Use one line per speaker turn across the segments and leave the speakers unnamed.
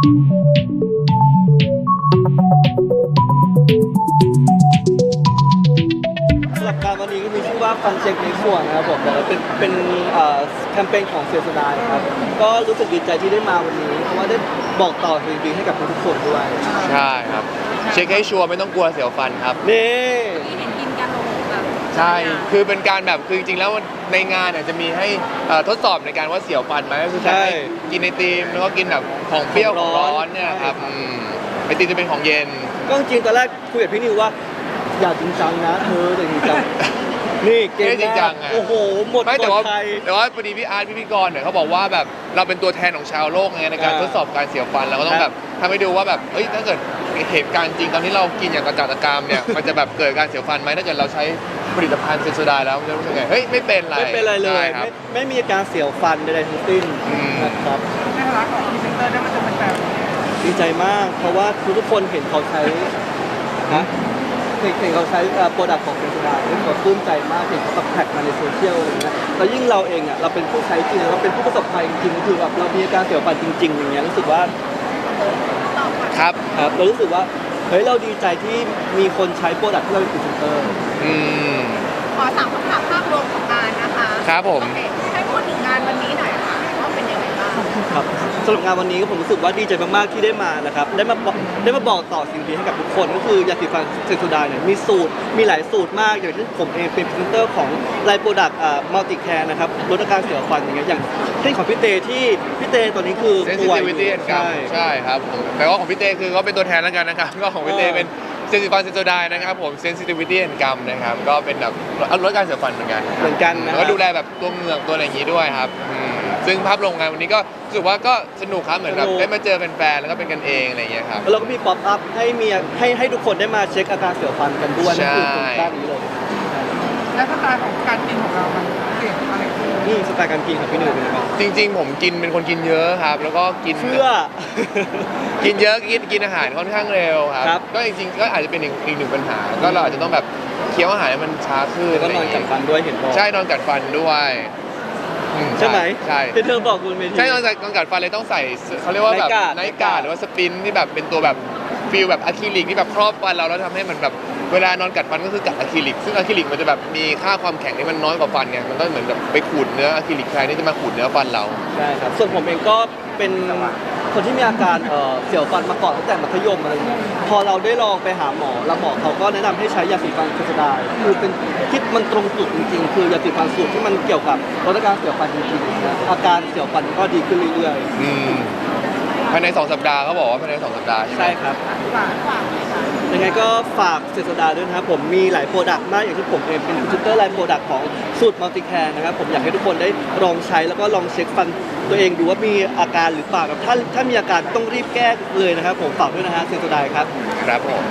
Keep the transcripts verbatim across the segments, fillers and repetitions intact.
สำหรับการวันนี้ก็มีชื่อว่าฟันเช็คในส่วนนะครับผมแต่ว่าเป็นเป็นแคมเปญของเซียสดายครับก็รู้สึกดีใจที่ได้มาวันนี้เพราะว่าได้บอกต่อสิ่งดีให้กับทุกคนด้วย
ใช่ครับเช็คให้ชัวร์ไม่ต้องกลัวเสียวฟันครับ
นี่
ที่เห็นกินกันลงแบบ
ใช่คือเป็นการแบบคือจริงๆแล้วในงานเนี่ยจะมีให้ทดสอบในการว่าเสียวฟันไหมก็คือให้กินไอติมแล้วก็กินแบบของเปรี้ยวของร้อนเนี่ยครับไอติมจะเป็นของเย็น
ก็จริงตอนแรกคุยกับพี่นิวว่าอย่าจริงจังนะเธอแต่จริงจังนี่เก่งจริงจังโอ้โหหมด
ไม่แต่ว่าแต่ว่าพอดีพี่อาร์ตพี่พิกรเนี่ยเขาบอกว่าแบบเราเป็นตัวแทนของชาวโลกไงในการทดสอบการเสียวฟันเราก็ต้องแบบทำให้ดูว่าแบบเอ้ยถ้าเกิดเหตุการณ์จริงตอนที่เรากินอย่างกระจัดกรามเนี่ยมันจะแบบเกิดการเสียวฟันไหมถ้าเกิดเราใช้ผลิตภัณฑ์เซนโซไดแล้วมันจะรู้สึกไงเฮ้ยไม่เป็นไร
ไม่เป็นไรเลยไม่ไม่มีอาการเสียวฟันใดๆทั้งสิ้นนะครับ
ในฐานะของพรีเซนเตอร์ได้มาเจอแฟน
ดีใจมากเพราะว่าทุกคนเห็นเขาใช้นะเห็นเขาใช้โปรดักต์ของเซนโซไดแล้วเขาปลื้มใจมากเห็นเขาแบบแท็กมาในโซเชียลอะไรเงี้ยแล้วยิ่งเราเองอ่ะเราเป็นผู้ใช้จริงเราเป็นผู้ประสบภัยจริงๆคือแบบเรามีอาการเสียวฟันจริงๆอย่างเงี้ยรู้สึกว่า
ครับ
ครับเรารู้สึกว่าเฮ้ยเราดีใจที่มีคนใช้โปรดักต์ที่เราเป็นพรีเซนเตอร์
อืม
ขอสามคำถามภาพรวมของงานนะคะ
ครับผม
ให้พูดถึงงานวันนี้หน่อยค่ะว่าเป็นยังไงบ้าง
ครับสำหรับงานวันนี้ผมรู้สึกว่าดีใจมากๆที่ได้มานะครับได้มาได้มาบอกต่อสิ่งดีให้กับทุกคนก็คือยาสีฟันเซนโซไดเนี่ยมีสูตรมีหลายสูตรมากอย่างที่ผมเองเป็นพรีเซนเตอร์ของไลน์โปรดักต์มัลติแคร์นะครับลดอาการเสียวฟันอย่างเงี้ยอย่างเช่นของพี่เตที่พี่เตตอนนี้คือ
ป่วยใช่ใช่ครับแปลว่าของพี่เตคือเขาเป็นตัวแทนแล้วกันนะครับก็ของพี่เตเป็นเซนซิฟันเซนโซไดนะครับผม sensitivity and gum นะครับก็เป็นแบบลดการเสียวฟันเหมือนกัน
เหมือนกันนะ
แล้วก็ดูแลแบบตัวเหงือกตัวอะไรอย่างนี้ด้วยครับซึ่งภาพรวมงานวันนี้ก็รู้สึกว่าก็สนุกครับเหมือนแบบได้มาเจอแฟนๆแล้วก็เป็นกันเองอะไรอย่างเงี้ยครับ
แล้วก็มีป๊อปอัพให้มีให้ให้ทุกคนได้มาเช็คอาการเสียวฟันกันด้วย
นั่นคือ
ด้านนี้เลย
และสไตล์ของการกินของเรามันเปลี่ยนอะไร
นี่สไตล์การกินของพี่หนุ่ยเป็นยังไง
จริงๆผมกินเป็นคนกินเยอะครับแล้วก็กิน
เพื่อ
กินเยอะกินกินอาหารค่อนข้างเร็วครับก็จริงๆก็อาจจะเป็นอีกอีกหนึ่งปัญหาก็เราอาจจะต้องแบบเคี้ยวอาหารให้มันช้าขึ้น
แล้วก็นอนกัดฟันด้วยเห็นบอก
ใช่นอนกัดฟันด้วย
ใช่ไหม
ใช่
ที่เธอบอกคุณเมธี
ใช่นอนกัดนอนกัดฟันเลยต้องใส่เขาเรียกว่าแบบไนท์การ์ดหรือว่าสปินที่แบบเป็นตัวแบบฟิลแบบอะคริลิกที่แบบครอบฟันเราแล้วทำให้มันแบบเวลานอนกัดฟันก็คือกัดอะคริลิกซึ่งอะคริลิกมันจะแบบมีค่าความแข็งที่มันน้อยกว่าฟันเนี่ยมันก็เหมือนแบบไปขูดเนื้ออะคริลิกแทนที่จะมาขูดเนื้อฟันเรา
ใช่ครับส่วนผมเองก็เป็นคนที่มีอาการเสียวฟันมาก่อนตั้งแต่มัธยมอะไรเงี้ยพอเราได้ลองไปหาหมอแล้วหมอเขาก็แนะนำให้ใช้ยาสีฟันเซนโซไดคือเป็นคิดมันตรงจุดจริงๆคือยาสีฟันสูตรที่มันเกี่ยวกับลดอาการเสียวฟันจริงๆนะอาการเสียวฟันก็ดีขึ้นเรื่อย
ๆภายในสองสัปดาห์เขาบอกว่าภายในสองสัปดาห์
ใช่ครับยังไงก็ฝากเซนโซไดด้วยนะครับผมมีหลายโปรดักต์มากอย่างที่ผมเองเป็นพรีเซนเตอร์ไลน์โปรดักต์ของสูตรมัลติแคร์นะครับผมอยากให้ทุกคนได้ลองใช้แล้วก็ลองเช็คฟันตัวเองดูว่ามีอาการหรือเปล่าถ้าถ้ามีอาการต้องรีบแก้เลยนะครับผมฝากด้วยนะฮะเซนโซไดครับ
ครับผม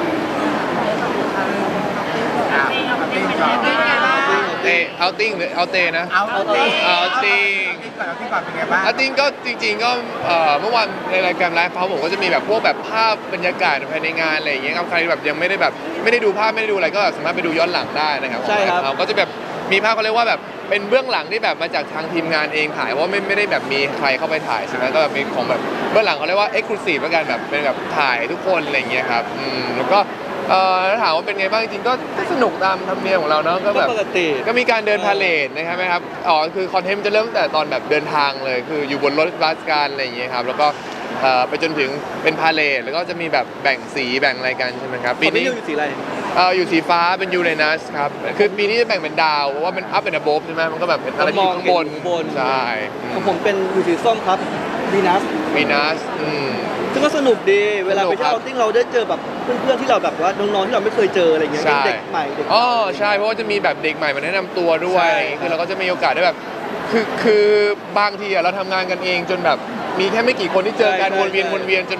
เตะเอาติ้งหรือเอาเตนะ
เอาติ้ง
เอาติ้ง
เอาติ้งก่อนเป็นไงบ้าง
เอาติ้งก็จริงๆก็เมื่อวานในรายการไลฟ์เขาผมก็จะมีแบบพวกแบบภาพบรรยากาศภายในงานอะไรอย่างเงี้ยครับใครแบบยังไม่ได้แบบไม่ได้ดูภาพไม่ได้ดูอะไรก็สามารถไปดูย้อนหลังได้นะครับ
ใช่ครับ
ก็จะแบบมีภาพเขาเรียกว่าแบบเป็นเบื้องหลังที่แบบมาจากทางทีมงานเองถ่ายเพราะไม่ไม่ได้แบบมีใครเข้าไปถ่ายใช่ไหมก็แบบมีของแบบเบื้องหลังเขาเรียกว่าเอ็กซ์คลูซีฟแล้วกันแบบเป็นแบบถ่ายทุกคนอะไรอย่างเงี้ยครับอืมแล้วก็เอ่อถามว่าเป็นไงบ้างจริงๆก็สนุกตามธรรมเนียมของเราเนาะก็แบบ
ปกติ
ก็มีการเดินพาเลทนะครับไหมครับอ๋อคือคอนเทนต์จะเริ่มตั้งแต่ตอนแบบเดินทางเลยคืออยู่บนรถบัสกันอะไรอย่างเงี้ยครับแล้วก็ไปจนถึงเป็นพาเลทแล้วก็จะมีแบบแบ่งสีแบ่งอะไรกันใช่ไหมครับ
ปีนี้อยู่สีอะไร
เอออยู่สีฟ้าเป็นยูเรนัสครับคือปีนี้จะแบ่งเป็นดาวเพราะว่ามันอัพเป็นอะโบฟใช่ไหมมันก็แบบเป็นอะไรที่ข้างบนใช่
ของผมเป็นอยู่สีส้มครับวีนัส
วีนัสอืม
ซึ่งก็สนุกดีเวลาไปเที่ยวเอาติ้งเราได้เจอแบบเพื่อนๆที่เราแบบว่าน้องๆที่เราไม่เคยเจออะไรเงี้ยเด็กใหม่เด็ก
อ๋อใช่เพราะว่าจะมีแบบเด็กใหม่มาแนะนำตัวด้วยคือเราก็จะมีโอกาสได้แบบคือคือบางทีเราทำงานกันเองจนแบบมีแค่ไม่กี่คนที่เจอกันวนเวียนวนเวียนจนแบบ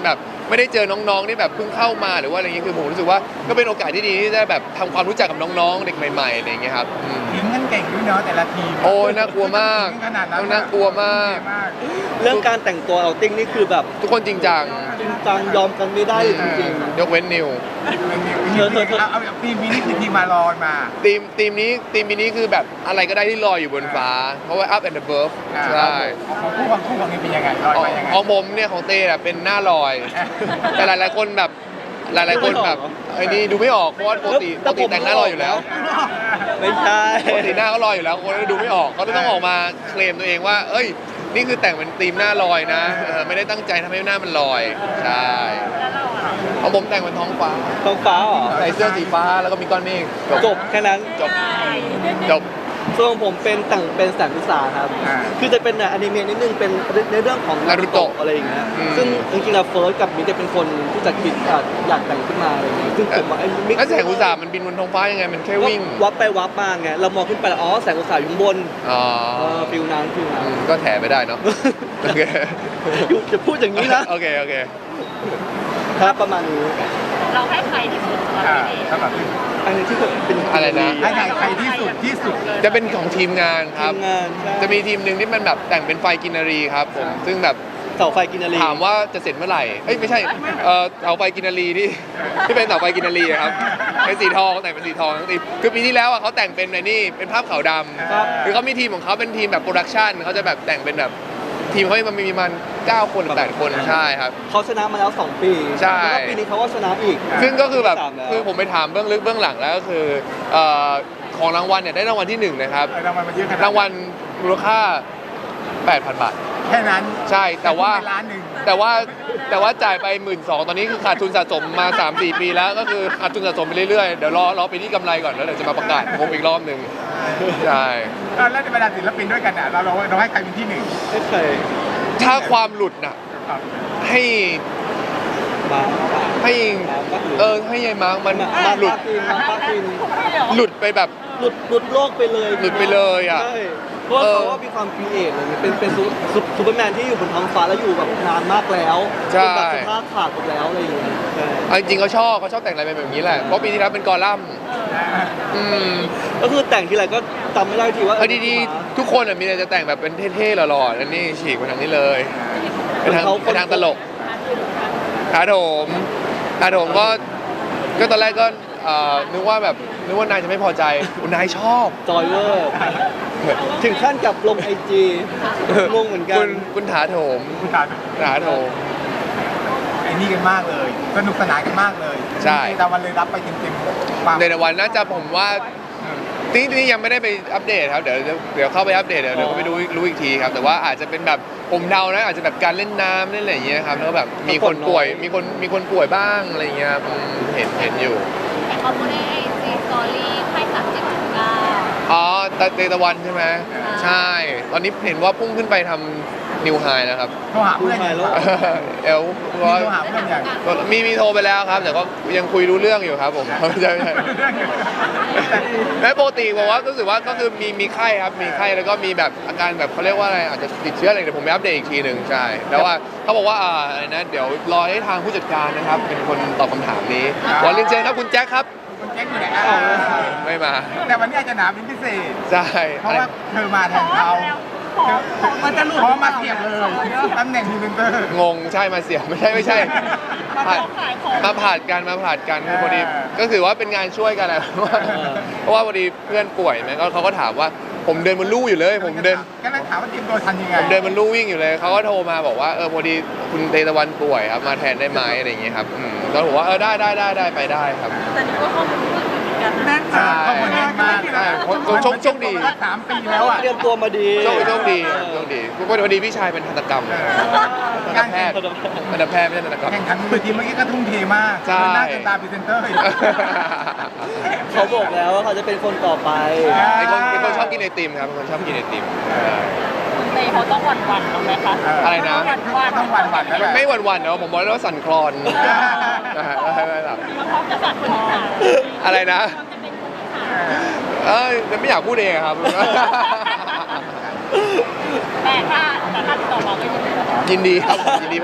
ไม่ได้เจอน้องๆที่แบบเพิ่งเข้ามาหรือว่าอะไรเงี้ยคือผมรู้สึกว่าก็เป็นโอกาสที่ดีที่ได้แบบทำความรู้จักกับน้องๆเด็กใหม่ๆอะไรเงี้ยครับอืม
ถึงกันเก่งด้วยเนาะแต่ละทีม
โอ้ยน่ากลัวมาก
ถึงขนาดนั้น
น่ากลัวมาก
เรื่องการแต่งตัวเอาติ้งนี่คือแบบ
ทุกคนจริงจัง
จริงจังยอมกันไม่ได้เลยจริง
ยกเว้นนิว
เธอเธอเธอ
เอาเอาทีมนี้นี่คือทีมมาลอยมา
ทีมทีมนี้ทีมนี้คือแบบอะไรก็ได้ที่ลอยอยู่บนฟ้า เพราะว่า up and above
อ่า
ใช่
ของคู่ของคู่ของนี้เป็นยังไงลอยมายังไง
ของผมเนี่ยของเต้อะเป็นหน้าลอย แต่หลายๆคนแบบหลายๆคนแบบไอ้นี่ดูไม่ออกเพราะว่าปกติปกติแต่งหน้าลอยอยู่แล้ว
ๆไม่ใช่
ปกติหน้าเขาลอยอยู่แล้วคนก็ดูไม่ออกเขาเลยต้องออกมาเคลมตัวเองว่า เอ้ย นี่คือแต่งเป็นธีมหน้าลอยนะเออไม่ได้ตั้งใจทำให้หน้ามันลอยใช่ของผมแต่งเป็นท้องฟ้า
ท้องฟ้าเหรอ
ใส่เสื้อสีฟ้าแล้วก็มีก้อนเมฆ
จบแค่นั้น
จบจบ
ส่วนของผมเป็นแต่งเป็นแสงอุตสาหครับ
อ่า
คือจะเป็นอนิเมะนิดนึงเป็นในเรื่องของ
Naruto
อะไรอย่างเงี้ย
อืม
ซึ่งจริงๆแล้วเฟิร์สกับมิกจะเป็นคนที่จะคิดอ่ะอยากแต่งขึ้นมาอะไรอย่างเงี้ยซึ่งผมว่าไอ้มิก
แล้วแสงอุตสาหมันบินบนท้องฟ้ายังไงมันแค่วิ่ง
วับไปวับมาไงเรามองขึ้นไปแล้วอ๋อแสงอุตสาหอยู่ข้างบน
อ๋อ
เออฟิลนั้นฟิลนั้น
อืมก็แถไม่ได้เนาะโอเค
อยู่จะพูดอย่างนี้นะ
โอเคโอเค
ครับประมาณนี้
เราให้ใครที่สุดสำหรับ
อ่า
พี่เดช
สำหรับพี่
อันนี้ที่ผมเป็น
อะไรนะ
ให้ใครใครที่สุดที่สุด
จะเป็นของทีมงานค
ที
รับ
มงานใช่
จะมีทีมหนึ่งที่มันแบบแต่งเป็นไฟกินนารีครับผมซึ่งแบบ
เสาไฟกินนารี
ถามว่าจะเสร็จเมื่อไหร่เอ้ยไม่ใช่เออเสาไฟกินนารีที่ที่เป็นเสาไฟกินนารีอะครับเป็นสีทองแต่งเป็นสีทองทั้งทีมคือปีที่แล้วอะเขาแต่งเป็นในนี่เป็นภาพขาวด
ครับ
ำคือเขามีทีมของเขาเป็นทีมแบบโปรดักชันเขาจะแบบแต่งเป็นแบบทีมเขามันมีมันเก้าคนหรือแปดคนใช่ครับ
เขาชนะมาแล้วสองปี
ใช่
แล้วก็ปีนี้เขาก็ชนะอีก
ซึ่งก็คือแบบ
สามแล้ว
คือผมไปถามเบื้องลึกเบื้องหลังแล้วก็คือเอ่อของรางวัลเนี่ยได้รางวัลที่หนึ่งนะครับ
รางวัลมันเยอะขนาด
รางวัลมูลค่า แปดพัน บาท
แค่นั้น
ใช่แต่ว่า
ล้านหนึ่ง
แต่ว่าแต่ว่าจ่ายไป หมื่นสองพัน ตอนนี้คือขาดทุนสะสมมา สามสี่ ปีแล้วก็คือขาดทุนสะสมไปเรื่อยๆ เดี๋ยวรอรอไปที่กำไรก่อนแล้วเดี๋ยวจะมาประกาศงบอีกรอบหนึ่งใช่
อ่าแล้วในบรรดาศิลปินด้วยกันอ่ะเราเราเราให้ใครเป็นที่หนึ่ง
ไม่เคย
ถ้าความหลุดน่ะ
ครับ
ให้
มา
ให้เออให้ยายมาร์กมัน
มามา
หลุด
กินมาปากิน
หลุดไปแบบ
หลุดหลุดโลกไปเลย
หลุดไปเลยอะ
ใช่เพราะว่า
เออ
เขาว่ามีความครีเอทเลยเป็นเป็นซูซูซูเปอร์แมนที่อยู่บนท้องฟ้าแล้วอยู่แบบนานมากแล้ว
ใช่
จนแบบสภาพขาดหมดแล้วอะไรอย่างเงี้ยใช่
เอาจริงๆเขาชอบเขาชอบแต่งอะไรแบบนี้แหละเพราะปีที่แล้วเป็นกอลัมน์อืม
ก็คือแต่งทีไรก็จำไม่ได้ทีว่า
เอาดีๆทุกคนอะมีแต่จะแต่งแบบเป็นเท่ๆหล่อๆแล้วนี่ฉีกมาทางนี้เลยเป็นทางเป็นทางตลกถาโถมถาโถมก็ก็ตอนแรกก็เอ่อนึกว่าแบบนึกว่านายจะไม่พอใจอุยนายชอบ
จอยเวอร์ถึงขั้นกับลงไอจีงงเหมือนกั
คุ
น
ณคุณถาโถม
คุณตา
ถาโถม
ไอ้นี่กันมากเลย สนุกสนานกันมากเลย
ใช่
แต่วันเลยรับไปเต็มๆความ
ในวันน่าจะผมว่าจริงๆยังไม่ได้ไปอัปเดตครับเดี๋ยวเดี๋ยวเดี๋ยวเข้าไปอัปเดตเดี๋ยวเดี๋ยวก็ไปดูรู้อีกทีครับแต่ว่าอาจจะเป็นแบบผมเดานะอาจจะแบบการเล่นน้ำเล่นอะไรอย่างเงี้ยครับแล้วก็แบบมีคนป่วยมีคนมีคนป่วยบ้างอะไรอย่างเงี้ยครับอืมเห็นเห็นอยู่
แต่เขาไม่ได้ไอจีสตอรี่ให้สามเจ็ดถึงเก้า
อ๋อตะเตตะวันใช่ไหมใช่ ตอนนี้เห็นว่าพุ่งขึ้นไปทำนิวไฮแล้วครับ
โทรหาเพื่อนอย่าง
ดูไฮแล้ว
เอล
มีโทรหาเพื่อนอย่าง
มีมีโทรไปแล้วครับ แต่ก็ยังคุยรู้เรื่องอยู่ครับผม ไม่ใช่ไม่ใช่แม้ปกติบอกว่ารู้สึกว่าก็คือมีมีไข้ครับมีไข้แล้วก็มีแบบอาการแบบเขาเรียกว่าอะไรอาจจะติดเชื้ออะไรเดี๋ยวผมไปอัปเดตอีกทีหนึ่งใช่แต่ว่าเขาบอกว่าอ่าอะไรนะเดี๋ยวรอให้ทางผู้จัดการนะครับ เป็นคนตอบคำถามนี้วันเรียนเชิญครับคุณแจ็คครับ
คุณแจ็คอยู่ไหนอ่ะ
ไม่มา
แต่วันนี้อาจจะหนาเป็นพิเศษ
ใช่
เพราะว่าเธอมาแทนเขามันจะหลุดเพราะมาเสียบเลยตำแหน่งพรีเซนเตอร์
งงใช่มาเสียไม่ใช่ไม่ใช่ผ่าน
ขายของ
มาผ่านกันมาผ่านกันคือพอดีก็คือว่าเป็นงานช่วยกันแหละ เพราะว่าพอดีเพื่อนป่วยไหมก็เขาก็ถามว่าผมเดินบนลู่อยู่เลย ผมเดิน
ก็เลยถามว่าเตรียมตัวทันยังไง
ผมเดินบนลู่วิ่งอยู่เลยเขาก็โทรมาบอกว่าเออพอดีคุณเตตะวันป่วยครับมาแทนได้ไหมอะไรอย่างเงี้ยครับอืมก็บอกว่าเออได้ได้ได้ได้ไปได้ครับ
แต่นี่ก็ข้อมูลเหมือนกันนะ
ใช่ข้อมูลแน่นมาก
ใช่โชคโชคโชคดี
สามปีแล้วอ่ะ
เตรียมตัวมาดี
โชคโชคดีโชคดีพอดีพี่ชายเป็นทันตกรรมทันต
การ
แพทย์ทันตแพทย์ไม่ใช่ทันตกรรม
แข่งขันบนเวทีเมื่อกี้ก็ทุ่มเทมาก
ใช่
เดินหน้าเดินตามพรีเซนเตอร์อีก
เขาบอกแล้วว่าเขาจะเป็นคนต่อไป
เป็นคนเป็นคนชอบกินไอติมครับเป็นคนชอบกินไอติมใช่
คุณเตเขาต้องหวั่นหวั่นๆหรอไหมคะ
อะไรนะ
ต้องหวันหวันแล้วแหละ
ไม่หวั่นๆเนาะผมบอกแล้วว่าสั่นคลอนนะฮะไม่ไม่หรอก
มันพร้อมจะสั่นคนที่สาม
อะไรนะ
พร้อมจะเป็นคนที่สาม
เอ้ยไม่อยากพูดเองอะครับ
แต่ถ้าแต่ถ้าติดต่อมาก็ยินดีนะคะ
ยินดีครับยินดีเพราะว่า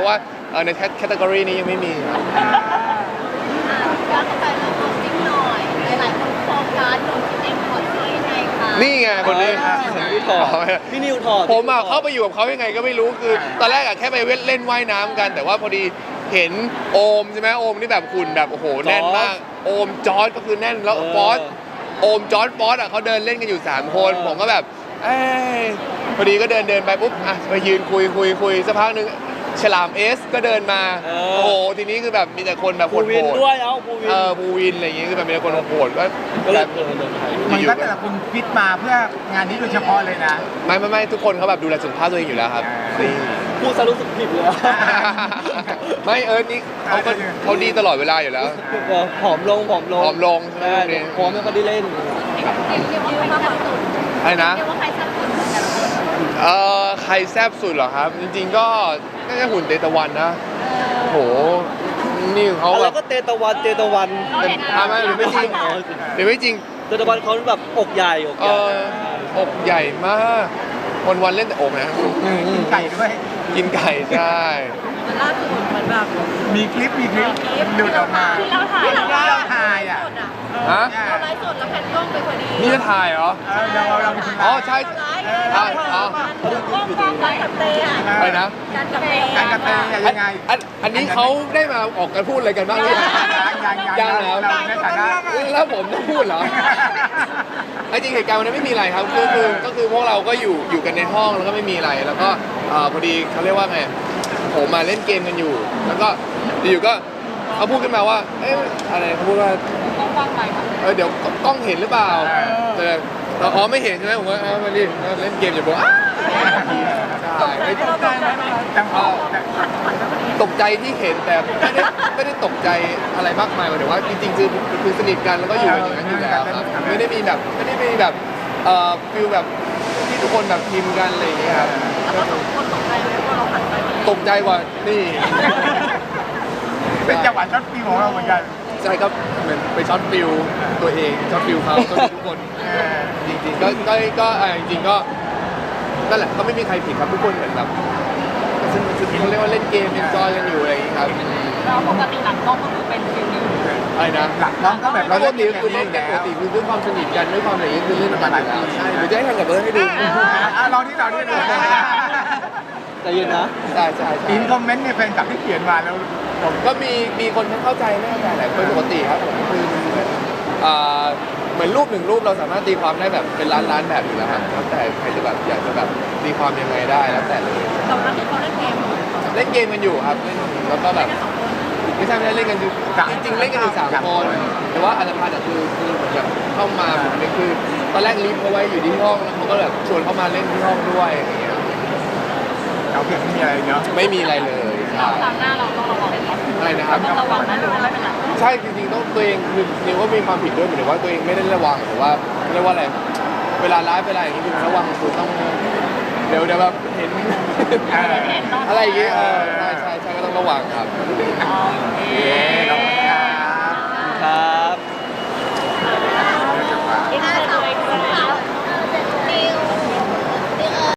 เออในแคตตากรีนี้ยังไม่มีครับ
ย้อนกลับไปเรื่องของจิ๊กหน่อยหลายๆคนโฟกัสตรงที่เองถอดเสื้อยังไงคะ
นี่ไงคนนี้
ผมไม่ถอดพี่นิวถอด
ผมอะเข้าไปอยู่กับเขายังไงก็ไม่รู้คือ ตอนแรกอะแค่ไปเล่นว่ายน้ำกัน แต่ว่าพอดีเห็นโอมใช่ไหมโอมนี่แบบหุ่นแบบโอ้โหแน่นมากโอมจอร์ดก็คือแน่นแล้วฟอสโอมจอร์ดฟอสอะเขาเดินเล่นกันอยู่สามคนผมก็แบบเอ้ยพอดีก็เดินเดินไปปุ๊บอ่ะไปยืนคุยคุยคุยสักพักหนึ่งฉลามเอสก็เดินมาโอ้โหทีนี้คือแบบมีแต่คนแบบโห
ภู
ด
วิน
ๆ
ด้วยเอ้าภูวิน
เออภูวินอะไรอย่างเงี้ยคือแบบมีแต่คนโหดๆก็
ก็เล
แบ
ย
บ
เออเดินไทย
มันก็แต่ละคนฟิตมาเพื่องานนี้โดยเฉพาะเลยนะ
ไม่ไม่ไม่ทุกคนเขาแบบดูแลสุขภาพตัวเองอยู่แล้วครับนี่
พูดซะรู้สึกผิดเลยอะ
ไม่เอิร์ธนี่เขาก็เขาดีตลอดเวลาอยู่แล้ว
เออผอมลงผอมลง
ผอมลงใช่ไหม
ใช่
เนี่ย
ผอมแล้วก็ได้เล่น
เรียกเรียกว่าใครแซ่บสุด
อะไรนะ
เรียกว่าใครแซ่บสุดแต่ละคน
เอ่อใครแซ่บสุดเหรอครับ จริงๆก็น่าจะหุ่นเตตะวันนะโหนี่เขา
อะไร
แบบ
ก็เตตะวันเตตะวัน
เป็นทำไมหรือไม่จริงหรือไม่จริง
เตตะวันเขาแบบอกใหญ่อก
เอ
ใหญ่
ออกใหญ่มากวันวันๆเล่นแต่อกนะ
กินไก่ด้วย
กินไก่ใช่
มันล่าสุดเหมือนแบบ
มีคลิปมีคลิปดูดออกมา
ที่เราถ่าย
ที่เราถ่ายอ่ะ
สดอ่ะ
ฮะ
เราไลฟ์สดแล้วแผ่นกล้องไปพอดี
นี่จะถ่ายเหรอ
เออเราเราเป็นคน
อ๋อ
ถ่าย
ใช่
เราไลฟ์เราไลฟ์กล้องกล้องการกับเตะอ่ะ
อะไรนะ
การกับเตะ
การกระเตยยังไง
อันอันนี้เขาได้มาออกกันพูดอะไรกันบ้างหรือยัง
ยังยัง
ยังเหรอ
เราในฐานะ
แล้วผมต้องพูดเหรอไอ้จริงเหตุการณ์วันนั้นไม่มีอะไรครับคือคือก็คือพวกเราก็อยู่อยู่กันในห้องแล้วก็ไม่มีอะไร แล้วก็เอ่อพอดีเขาเรียกว่าไงผมมาเล่นเกมกันอยู่ แล้วก็อยู่ๆก็เขาพูดขึ้นมาว่า เอ๊ะอะไรเขาพูดว่า
ต้องฟังใหม่ค่ะ
เออเดี๋ยวกล้องเห็นหรือเปล่าแต่เราอ๋อไม่เห็นใช่ไหมผมว่าเออมาดิเล่นเกมอยู่บอกอ้าวใช่ไม่
เราตกใจไหมคะ
จังหวะ
ตกใจที่เห็นแต่ไม่ได้ไม่ได้ตกใจอะไรมากมายหมายถึงว่าจริงๆคือคือสนิทกันแล้วก็อยู่กันอย่างนั้นอยู่แล้วครับไม่ได้มีแบบไม่ได้มีแบบเอ่อฟิลแบบที่ทุกคนแบบพิมพ์กันอะไรอย่างเงี้ยครับ
แล้วก็คนตกใจไหมว่าเราหันไป
ตกใจกว่านี่
เป็นจังหวะช็อตฟิวของเราเหมือนกัน
ใช่ครับเหมือนไปช็อตฟิลตัวเองช็อตฟิลเขาช็อตฟิลทุกคน
เออ
จริงๆก็ก็ก็เอ่อจริงๆก็นั่นแหละก็ไม่มีใครผิดครับทุกคนเหมือนแบบซึ่งเขาเรียกว่าเล่นเกมเอนจอยกันอยู่อะไรอย่างงี้ครับ
เราปกติหลังกล้องก็คือเป็นฟิลนี้
อะไรนะ
หลักน้องก็แบบ
ป
เรา
ก
เล่น
ติ
เกม
คือ
นี้
เล่น
อยู่
กันป
แล้
ก
ว
ติคือด้วยความสนิทกันด้วยความอะไรอย่างงี้คือเล่นกันอยู่แล้วใช่เดี๋ยวจะให้ทำกับเบิร์ดให้ดู
อ่ะลองที่เราด้วยดู
ใจเย็นนะ
ใช่ใช่ใช่
อินคอมเมนต์ในแฟนคลับที่เขียนมาแล้วผม
ก็มีมีคนไม่เข้าใจไม่เข้าใจแหละเป็นปกติครับผมคืออ่าเหมือนรูปหนึ่งรูปเราสามารถตีความได้แบบเป็นล้านล้านแบบอยู่แล้วครับแล้วแต่ใครจะแบบอยากจะแบบตีความยังไงได้แล้วแต่เลย
แต่วันนั้นที่เขาเล่นเกมเหรอ
เล่นเกมกันอยู่ครับเล่นแล้วก็แบบไม่ใช่ไม่ได้เล่นกันอยู่จริงๆเล่นกันอยู่สามคนแต่ว่าอัตภัณฑ์อะคือคือเหมือนแบบเข้ามาผมนี่คือตอนแรกลิฟต์เขาไว้อยู่ที่ห้องแล้วเขาก็แบบชวนเข้ามาเล่นที่ห้องด้วยอะไรอย่างเงี้ย
เราเพียงไม่มีอะไรเนาะ
ไม่มีอะไรเลยใช่
ครั้งหน้าเราต้องระวัง
อะไรนะครับ
ต้องระวังนะไม่เป็นไร
ใช่จริงๆต้องตัวเองคือนิวว่ามีความผิดด้วยหมายถึงว่าตัวเองไม่ได้ระวังหรือว่าเรียกว่าอะไรเวลาไลฟ์เวลาอย่างนี้คือระวังคือต้องเดี๋ยวเดี๋ยวแบบเห็น อะไรอย่างเงี้ยเออใช่ใช่ใช่ก็ต้องระวังครับ
อ๋อ